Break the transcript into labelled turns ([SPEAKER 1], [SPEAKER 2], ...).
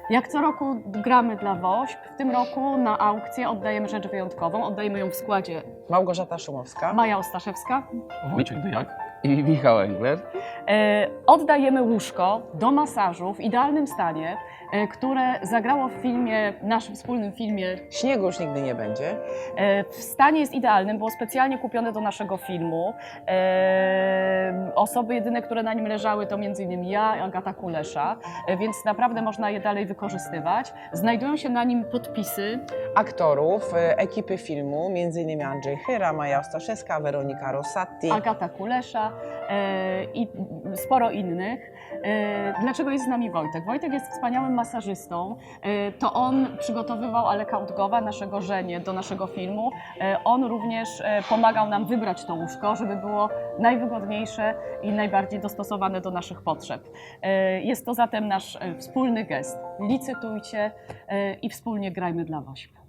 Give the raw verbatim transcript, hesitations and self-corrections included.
[SPEAKER 1] Jak co roku gramy dla WOŚP. W tym roku na aukcję oddajemy rzecz wyjątkową. Oddajemy ją w składzie
[SPEAKER 2] Małgorzata Szumowska.
[SPEAKER 1] Maja Ostaszewska.
[SPEAKER 3] Wojciech Dyjak.
[SPEAKER 4] I Michał Engler.
[SPEAKER 1] E, oddajemy łóżko do masażu w idealnym stanie, e, które zagrało w filmie, naszym wspólnym filmie.
[SPEAKER 2] Śniegu już nigdy nie będzie.
[SPEAKER 1] E, w stanie jest idealnym, było specjalnie kupione do naszego filmu. E, osoby jedyne, które na nim leżały, to między innymi ja i Agata Kulesza, e, więc naprawdę można je dalej wykorzystywać. Znajdują się na nim podpisy
[SPEAKER 2] Aktorów, e, ekipy filmu, między innymi Andrzej Chyra, Maja Ostaszewska, Weronika Rossatti.
[SPEAKER 1] Agata Kulesza e, i sporo innych. E, dlaczego jest z nami Wojtek? Wojtek jest wspaniałym masażystą. E, to on przygotowywał Aleka Udgowa, naszego żenię, do naszego filmu. E, on również e, pomagał nam wybrać to łóżko, żeby było najwygodniejsze i najbardziej dostosowane do naszych potrzeb. E, jest to zatem nasz e, wspólny gest. Licytujcie e, i wspólnie grajmy dla WOŚP.